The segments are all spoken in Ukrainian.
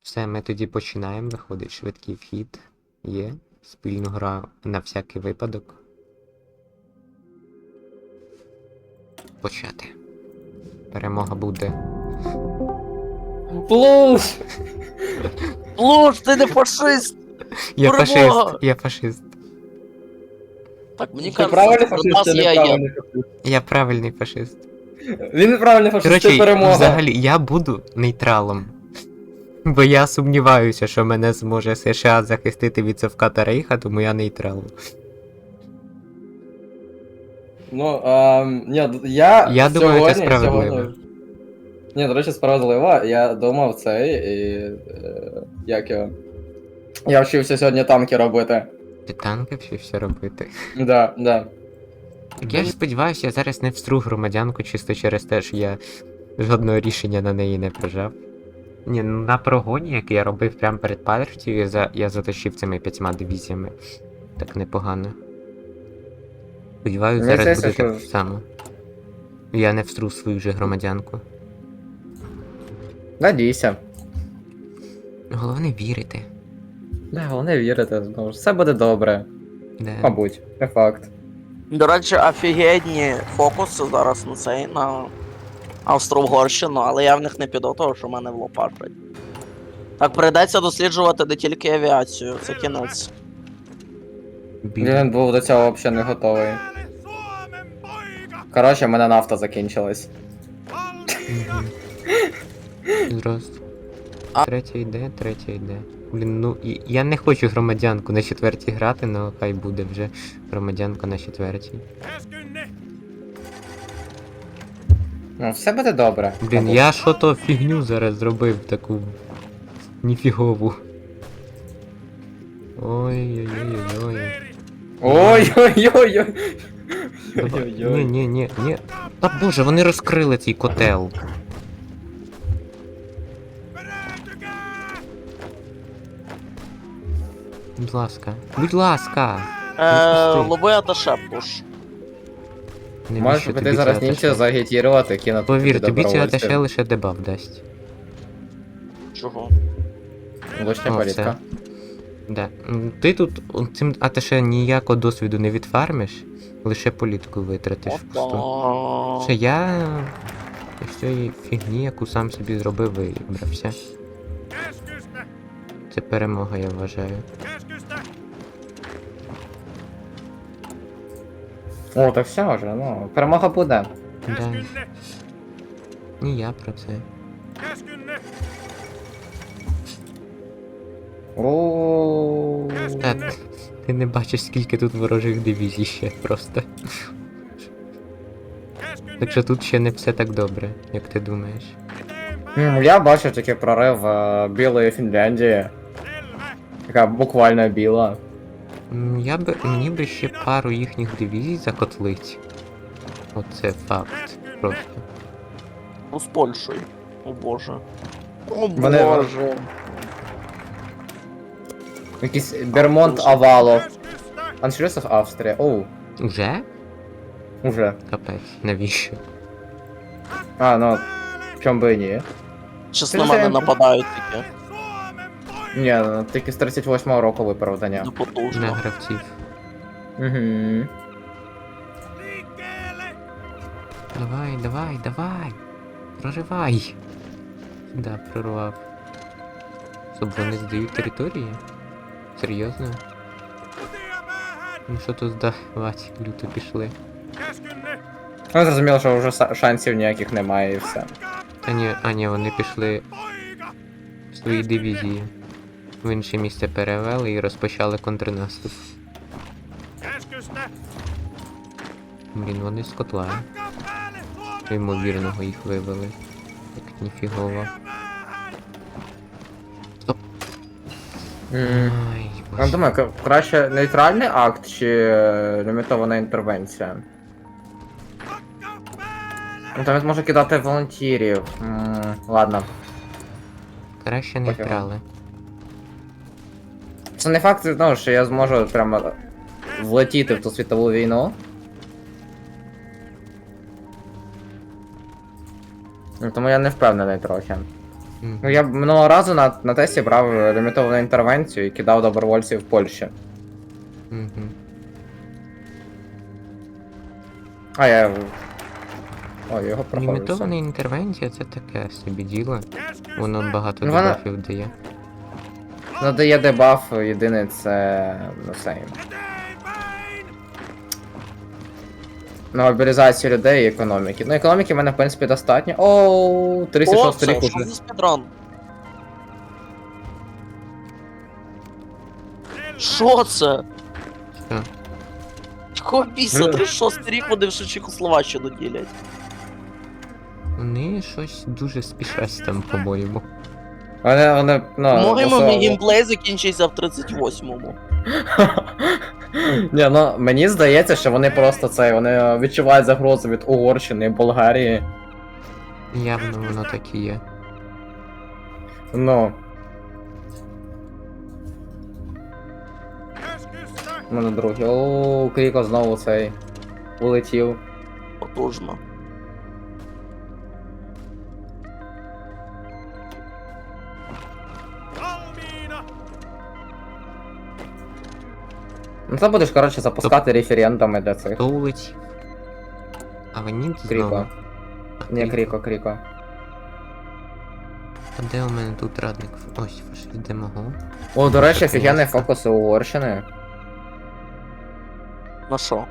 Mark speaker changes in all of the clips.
Speaker 1: Все, ми тоді починаємо. Виходить швидкий вхід. Є. Спільну гра на всякий випадок. Почати. Перемога буде.
Speaker 2: Плуш! Плуш, ти не фашист!
Speaker 1: Я
Speaker 2: Перемога!
Speaker 1: фашист, я фашист.
Speaker 2: Так, мені
Speaker 3: Ти
Speaker 2: кажется,
Speaker 3: правильний
Speaker 2: що у
Speaker 3: фашист
Speaker 2: нас
Speaker 3: чи
Speaker 2: є
Speaker 3: неправильний фашист?
Speaker 1: Я правильний фашист.
Speaker 3: Він неправильний фашист, це
Speaker 1: Коротше,
Speaker 3: перемога.
Speaker 1: взагалі, я буду нейтралом. Бо я сумніваюся, що мене зможе США захистити від Совка та Рейха, тому я нейтрал.
Speaker 3: Ну, ні, я
Speaker 1: думаю, це
Speaker 3: сьогодні...
Speaker 1: справедливо.
Speaker 3: Ні, до речі, справедливо. Я думав цей і... як його? Я вчився сьогодні танки робити.
Speaker 1: Ти танки все робити.
Speaker 3: Да.
Speaker 1: Так я ж сподіваюся, я зараз не встру громадянку чисто через те, що я жодного рішення на неї не прижав. Ні, ну на прогоні, який я робив прямо перед партією, я заточив цими 5 дивізіями. Так непогано. Сподіваюся,
Speaker 3: Мені
Speaker 1: зараз
Speaker 3: здається,
Speaker 1: буде так
Speaker 3: що-
Speaker 1: само. Я не встру свою же громадянку.
Speaker 3: Надійся.
Speaker 1: Головне вірити.
Speaker 3: Да, головне вірити, знову ж. Все буде добре.
Speaker 1: Да.
Speaker 3: Мабуть, не факт.
Speaker 2: До речі, офігенні фокуси зараз на цей, на Австро-Угорщину, але я в них не піду, тому що в мене влопашать. Так, прийдеться досліджувати не тільки авіацію, це кінець.
Speaker 3: Він був до цього взагалі не готовий. Коротше, в мене нафта закінчилась.
Speaker 1: Мгм. Здрасте.
Speaker 2: А-
Speaker 1: Третя йде. Блін, ну я не хочу громадянку на четвертій грати, але хай буде вже громадянка на четвертій.
Speaker 3: Ну, все буде добре.
Speaker 1: Блін,
Speaker 3: мабуть.
Speaker 1: я що то фігню зараз зробив таку ніфігову. Ой-ой-ой-ой.
Speaker 3: Ой-ой-ой-ой.
Speaker 1: Ні,
Speaker 3: Ой-ой-ой.
Speaker 1: ні. Та боже, вони розкрили цей котел. Будь ласка. Будь ласка. Відпусти.
Speaker 2: Лови аташе пуш.
Speaker 1: Навіщо
Speaker 3: Можеш
Speaker 1: тобі
Speaker 3: піти
Speaker 1: це
Speaker 3: зараз
Speaker 1: аташе?
Speaker 3: німця загітірувати, кинути.
Speaker 1: Повір, тобі ця
Speaker 3: добровольців.
Speaker 1: аташе лише дебаф дасть.
Speaker 2: Чого?
Speaker 3: Лишня
Speaker 1: О,
Speaker 3: політика.
Speaker 1: все. Да. Ти тут цим аташе ніякого досвіду не відфармиш, лише політику витратиш впусту.
Speaker 2: Опа.
Speaker 1: Ще я з цієї фігні, яку сам собі зробив, вибрався. Це перемога, я вважаю.
Speaker 3: О, так все вже, ну, перемога буде.
Speaker 1: Да. Ні, я про це.
Speaker 3: О.
Speaker 1: Та, ти не бачиш, скільки тут ворожих дивізій ще просто. Так що тут ще не все так добре, як ти думаєш.
Speaker 3: Я бачу такий прорив білої Фінляндії. Така буквально біла.
Speaker 1: Мені би ще пару їхніх дивізій закотлить. Оце факт. Просто.
Speaker 2: Ну, з Польщею. О боже. О
Speaker 3: Мене-
Speaker 2: боже.
Speaker 3: Якийсь Бермонт Авалов. Аншлюсов Австрія. Оу,
Speaker 1: Уже?
Speaker 3: уже.
Speaker 1: Капець, навіщо?
Speaker 3: А, ну, чом би і ні.
Speaker 2: Щас
Speaker 3: Ти
Speaker 2: на мене
Speaker 3: вже-
Speaker 2: нападають такі.
Speaker 3: Ні, ну, тільки з 38-го року виправдання.
Speaker 1: На
Speaker 2: Непотужно.
Speaker 1: гравців.
Speaker 3: Угу.
Speaker 1: Давай. Проривай. Да, прорвав. Щоб вони здають території? Серйозно? Ну що тут здавати? Люто пішли.
Speaker 3: Ну, зрозуміло, що вже шансів ніяких немає і все.
Speaker 1: Ні, вони пішли в свої дивізії. В інше місце перевели і розпочали контрнаступ. Блін, вони з котла. Ймовірного їх вивели. Так ніфігово. Стоп. Ай,
Speaker 3: Я
Speaker 1: боже.
Speaker 3: думаю, краще нейтральний акт чи лімітована інтервенція? Ну, там він може кидати волонтерів. Ладно.
Speaker 1: Краще не
Speaker 3: Пофігу.
Speaker 1: вкрали.
Speaker 3: Це не факт, ну, що я зможу прямо влетіти в ту світову війну. Ну, тому я не впевнений трохи.
Speaker 1: Мгм.
Speaker 3: Ну я минулого разу на тесті брав лімітовану інтервенцію і кидав добровольців в Польщі.
Speaker 1: Мгм.
Speaker 3: А я. Ой, його проходив.
Speaker 1: Лімітована
Speaker 3: все.
Speaker 1: інтервенція це таке собі діло. Воно багато
Speaker 3: Ну, вона-
Speaker 1: дебафів дає.
Speaker 3: Надає дебаф, єдине це. Ну сейм. На мобілізацію людей і економіки. Ну, економіки в мене, в принципі, достатньо. Оу, 36
Speaker 2: О,
Speaker 3: рік
Speaker 2: це, що
Speaker 3: уже.
Speaker 2: за спідран? Що це?
Speaker 1: Що?
Speaker 2: Якого біса? 36 рік вони в Чехословаччину ділять.
Speaker 1: Вони щось дуже спішать там, по-моєму.
Speaker 3: Вони, ну,
Speaker 2: По-моєму,
Speaker 3: особливо-
Speaker 2: мій геймплей закінчився в 38-му.
Speaker 3: Ні, ну мені здається, що вони просто це, вони відчувають загрозу від Угорщини і Болгарії.
Speaker 1: Явно воно так і є.
Speaker 3: Ну. Ну, на другий. Ооо, Кріко знову цей улетів.
Speaker 2: Потужно.
Speaker 3: Ну це будеш, коротше, запускати референдуми для цих.
Speaker 1: Хто улетів? А вони знову.
Speaker 3: Кріко.
Speaker 1: А,
Speaker 3: Ні, Кріко.
Speaker 1: А де у мене тут радник? Ось, фашист демого.
Speaker 3: О, до речі,
Speaker 1: Наконець-то.
Speaker 3: офігенний фокус у Угорщини.
Speaker 2: На що?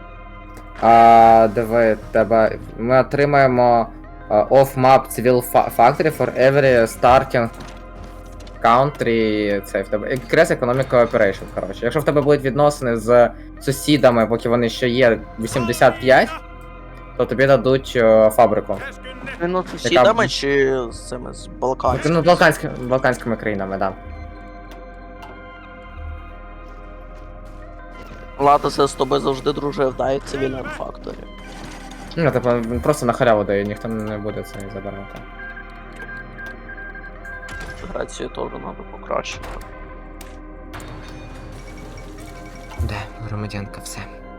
Speaker 3: Диви, тебе. Ми отримаємо off-map civil factory for every starting country. Це в тебе. Increase economic cooperation, коротше. Якщо в тебе будуть відносини з сусідами, поки вони ще є 85, то тобі дадуть фабрику.
Speaker 2: Він з сусідами чи з цими з Балканськими?
Speaker 3: Ну, балканськими країнами, так. Да.
Speaker 2: Латосе з тобою завжди дружив, дай цивільним факторі.
Speaker 3: Ну, типу, він просто на халяву дає, ніхто не буде це забирати.
Speaker 2: Грацію теж треба покращити.
Speaker 1: Де, громадянка, все.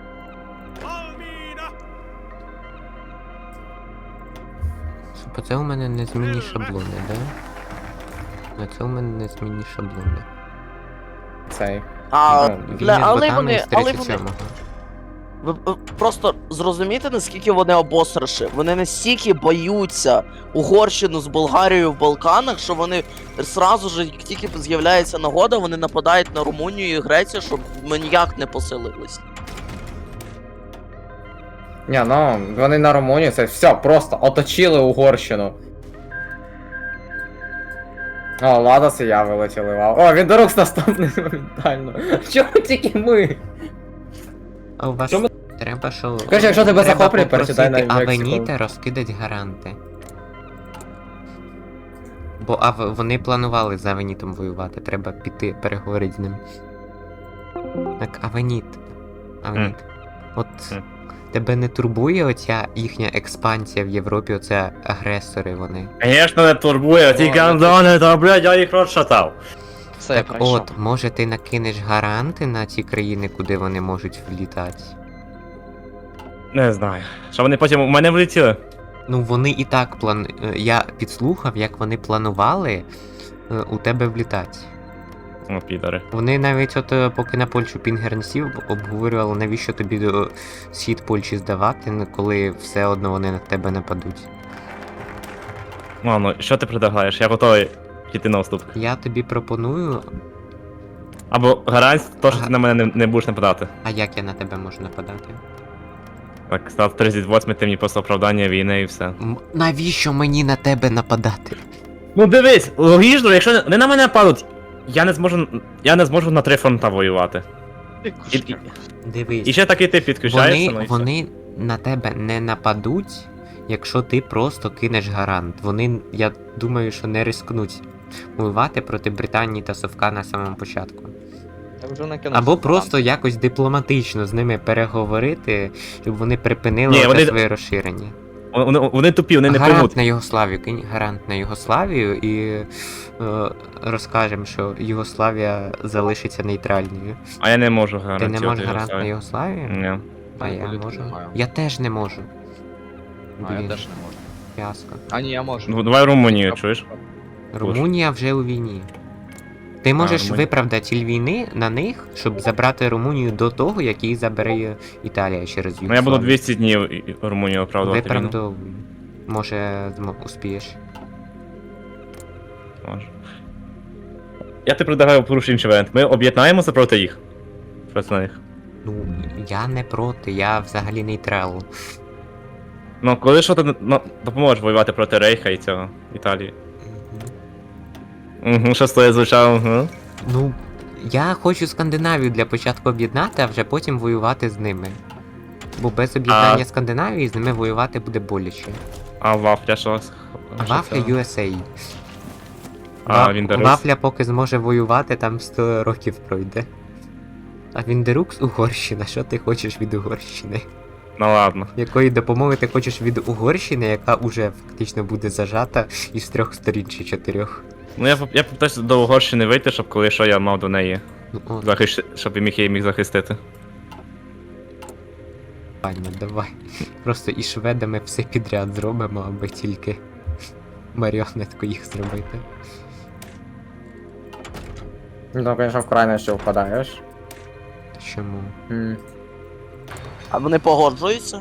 Speaker 1: Щоб це у мене незмінні шаблони, да? А це у мене незмінні шаблони.
Speaker 3: Цей.
Speaker 2: А,
Speaker 3: Ну,
Speaker 2: бля,
Speaker 1: Війни з
Speaker 2: але
Speaker 1: ботами
Speaker 2: вони,
Speaker 1: з
Speaker 2: але вони,
Speaker 1: 37-го.
Speaker 2: ви просто зрозумієте, наскільки вони обосраші? Вони настільки боються Угорщину з Болгарією в Балканах, що вони сразу ж, як тільки з'являється нагода, вони нападають на Румунію і Грецію, щоб ми ніяк не посилились.
Speaker 3: Ні, ну, вони на Румунію, це все, просто оточили Угорщину. О, Ладос і я вилетіли, вау. О, він до рук наступний моментально. Чого тільки ми?
Speaker 1: А у вас
Speaker 3: Що ми-
Speaker 1: треба, що...
Speaker 3: Короче, якщо тебе
Speaker 1: треба
Speaker 3: захоплює, пересідай на
Speaker 1: попросити
Speaker 3: Мексику.
Speaker 1: Авеніта розкидать гаранти. Бо вони планували з Авенітом воювати, треба піти переговорити з ним. Так, Авеніт. Авеніт. От тебе не турбує оця їхня експансія в Європі, оце агресори вони.
Speaker 4: Конечно, не турбує, ті гандони, то, блядь, я їх розшатав.
Speaker 2: Все,
Speaker 1: Так от, може ти накинеш гаранти на ті країни, куди вони можуть влітати?
Speaker 4: Не знаю. Що вони потім у мене влетіли?
Speaker 1: Ну вони і так я підслухав, як вони планували у тебе влітати.
Speaker 4: О, підари.
Speaker 1: Вони навіть поки на Польщу Пінгер не сів, обговорювали, навіщо тобі до схід Польщі здавати, коли все одно вони на тебе нападуть.
Speaker 4: Ладно, що ти предлагаєш? Я готовий піти на уступ.
Speaker 1: Я тобі пропоную,
Speaker 4: Або гарантія, то, що
Speaker 1: Ага.
Speaker 4: ти на мене не будеш нападати.
Speaker 1: а як я на тебе можу нападати?
Speaker 4: Так, став 38, ти мені просто оправдання війни і все.
Speaker 1: Навіщо мені на тебе нападати?
Speaker 4: Ну дивись, логічно, якщо не на мене нападуть, я не зможу на 3 фронта воювати.
Speaker 1: Дивись.
Speaker 4: І ще такий ти підключаєшся, ну і все.
Speaker 1: Вони на тебе не нападуть, якщо ти просто кинеш гарант. Вони, я думаю, що не рискнуть воювати проти Британії та Совка на самому початку.
Speaker 5: Я вже накинув.
Speaker 1: Або просто якось дипломатично з ними переговорити, щоб вони припинили
Speaker 4: Ні,
Speaker 1: оце
Speaker 4: вони-
Speaker 1: своє розширення.
Speaker 4: Вони тупі, вони не
Speaker 1: Гарант
Speaker 4: поймуть.
Speaker 1: на Югославію, кинь гарант на Югославію і розкажемо, що Югославія залишиться нейтральною.
Speaker 4: А я не можу
Speaker 1: Ти
Speaker 4: гарантувати.
Speaker 1: не можеш гарант на Югославію?
Speaker 4: Ні.
Speaker 1: А я
Speaker 5: Політики
Speaker 1: можу.
Speaker 5: маю.
Speaker 1: Я теж не можу.
Speaker 5: А я
Speaker 1: Блін,
Speaker 5: теж не можу.
Speaker 1: фіаско.
Speaker 5: А ні, я можу.
Speaker 4: Ну, давай Румунію, чуєш?
Speaker 1: Румунія вже у війні. Ти можеш
Speaker 4: Румунія.
Speaker 1: виправдати ціль війни на них, щоб забрати Румунію до того, як її забере Італія через
Speaker 4: Ну я буду
Speaker 1: Югославію.
Speaker 4: 200 днів Румунію оправдувати війну.
Speaker 1: Виправдовуй. Може, успієш.
Speaker 4: Може. Я ти предлагаю порушити інший варіант. Ми об'єднаємося проти їх. Проти них.
Speaker 1: Ну, я не проти, я взагалі нейтрал.
Speaker 4: Ну, коли що ти допоможеш воювати проти Рейха і цього Італії.
Speaker 1: Мгм.
Speaker 4: Угу, що стоїть звучало, угу.
Speaker 1: Ну, я хочу Скандинавію для початку об'єднати, а вже потім воювати з ними. Бо без об'єднання Скандинавії з ними воювати буде боляче.
Speaker 4: А Вафля що?
Speaker 1: Вафля USA.
Speaker 4: А, Віндерус?
Speaker 1: Вафля поки зможе воювати, там 100 років пройде. А Віндерукс Угорщина, що ти хочеш від Угорщини?
Speaker 4: Ну ладно.
Speaker 1: Якої допомоги ти хочеш від Угорщини, яка уже фактично буде зажата із 3 сторін чи 4?
Speaker 4: Ну я попитаюся до Угорщини вийти, щоб коли що я мав до неї
Speaker 1: Ну от,
Speaker 4: щоб я її міг захистити.
Speaker 1: пані, давай. Просто і шведами все підряд зробимо, аби тільки маріонетку їх зробити.
Speaker 3: Ну, звісно, в крайності впадаєш.
Speaker 1: Чому?
Speaker 2: А вони погоджуються?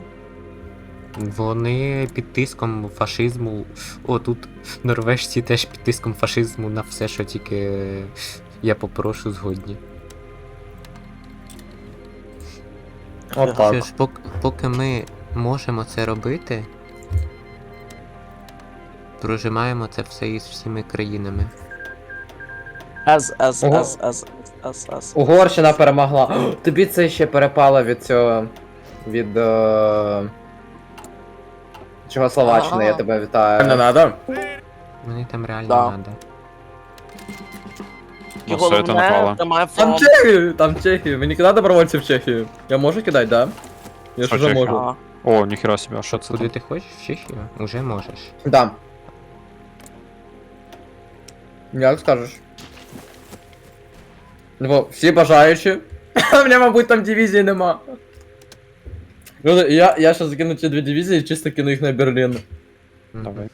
Speaker 1: Вони під тиском фашизму. О, тут норвежці теж під тиском фашизму на все, що тільки я попрошу, згодні.
Speaker 3: От
Speaker 1: Що
Speaker 3: так.
Speaker 1: ж, поки ми можемо це робити, прожимаємо це все із всіми країнами.
Speaker 2: С.
Speaker 3: Угорщина перемогла. О, тобі це ще перепало від цього. Від. Чехословаччини, я тебе вітаю. Не надо?
Speaker 1: Мені там реально
Speaker 2: Да.
Speaker 1: надо.
Speaker 2: І
Speaker 4: все, це
Speaker 2: головне,
Speaker 4: напало.
Speaker 2: тримай
Speaker 3: Там
Speaker 2: фронт.
Speaker 3: Чехію! Там Чехію. Мені кидати добровольців в Чехію. Я можу кидати, да? Я ж
Speaker 5: Що
Speaker 3: уже
Speaker 5: Чехія?
Speaker 3: можу.
Speaker 2: Ага.
Speaker 5: О, ніхера себе, а що це?
Speaker 1: Куди
Speaker 5: там?
Speaker 1: ти хочеш? В Чехію? Уже можеш.
Speaker 3: Да. Як скажеш? Ну, всі бажаючі. У мене, мабуть, там дивізії нема. Ну, я щас закину ці 2 дивізії і чисто кину їх на Берлін.
Speaker 1: Мгм.
Speaker 5: Давай.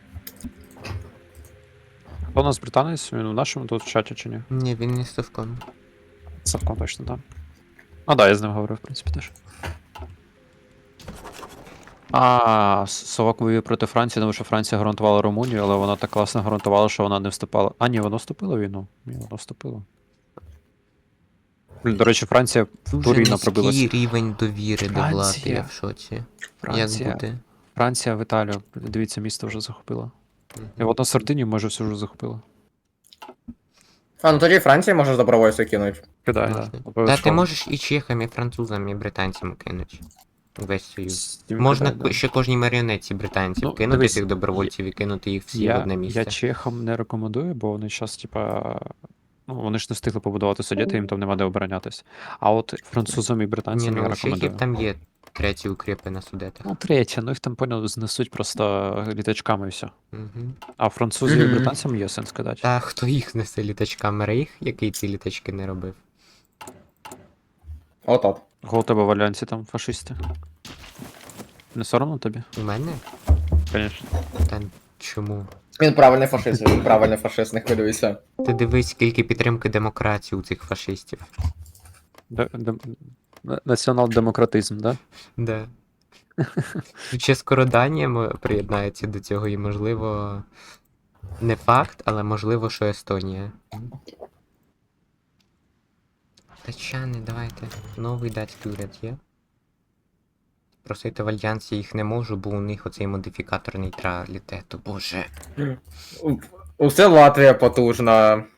Speaker 5: Хто у нас британець? Він у нашому тут в чаті чи ні?
Speaker 1: Ні, він не совком.
Speaker 5: Савком точно, так. А, да, я з ним говорив, в принципі, теж. Совок воює проти Франції, тому що Франція гарантувала Румунію, але вона так класно гарантувала, що вона не вступала. А, ні, вона вступила в війну. Ні, вона вступила. Блін, до речі, Франція
Speaker 1: Дуже
Speaker 5: Туріна
Speaker 1: низький
Speaker 5: пробилася.
Speaker 1: рівень довіри до влади,
Speaker 5: Франція.
Speaker 1: я в шоці.
Speaker 5: Франція,
Speaker 1: Як буде?
Speaker 5: Франція в Італію. Дивіться, місто вже захопила.
Speaker 1: Мгм.
Speaker 5: І от на Сардинію, може, все вже захопила.
Speaker 3: А, ну тоді Франції можеш добровольців кинути.
Speaker 5: Кидай,
Speaker 1: Можна.
Speaker 5: да.
Speaker 1: Та ти можеш і чехам, і французам, і британцям кинуть. Весь союз. Можна ще кожній маріонетці британців
Speaker 5: Ну,
Speaker 1: кинути
Speaker 5: дивись,
Speaker 1: цих добровольців і кинути їх всі в одне місце.
Speaker 5: Я чехам не рекомендую, бо вони зараз, типа. Ну, вони ж не встигли побудувати суддя, їм там нема де оборонятись. А от французам і
Speaker 1: Ні,
Speaker 5: британцям
Speaker 1: ну
Speaker 5: я
Speaker 1: у
Speaker 5: рекомендую.
Speaker 1: чехів там є треті укріпи на судетах.
Speaker 5: Ну, третє, ну їх там поняв, знесуть просто літачками і все.
Speaker 1: Угу.
Speaker 5: А французів і
Speaker 3: Мгм.
Speaker 5: британцям є сенс кидати.
Speaker 1: Та хто їх несе літачками? Рейх, який ці літачки не робив?
Speaker 3: От.
Speaker 5: Кого у тебе в альянсі там фашисти? Не соромно тобі?
Speaker 1: У мене?
Speaker 5: Звісно.
Speaker 1: Та чому?
Speaker 3: Він правильний фашист, він правильний фашист, не хвилюйся.
Speaker 1: Ти дивись, скільки підтримки демократії у цих фашистів.
Speaker 5: Націонал-демократизм, да?
Speaker 1: Да. Ще скоро Данія приєднається до цього, і можливо. Не факт, але можливо, що Естонія. Датчани, давайте. Новий датський уряд є. Просити в альянсі їх не можу, бо у них оцей модифікатор нейтралітету. Боже.
Speaker 3: Усе Латвія потужна.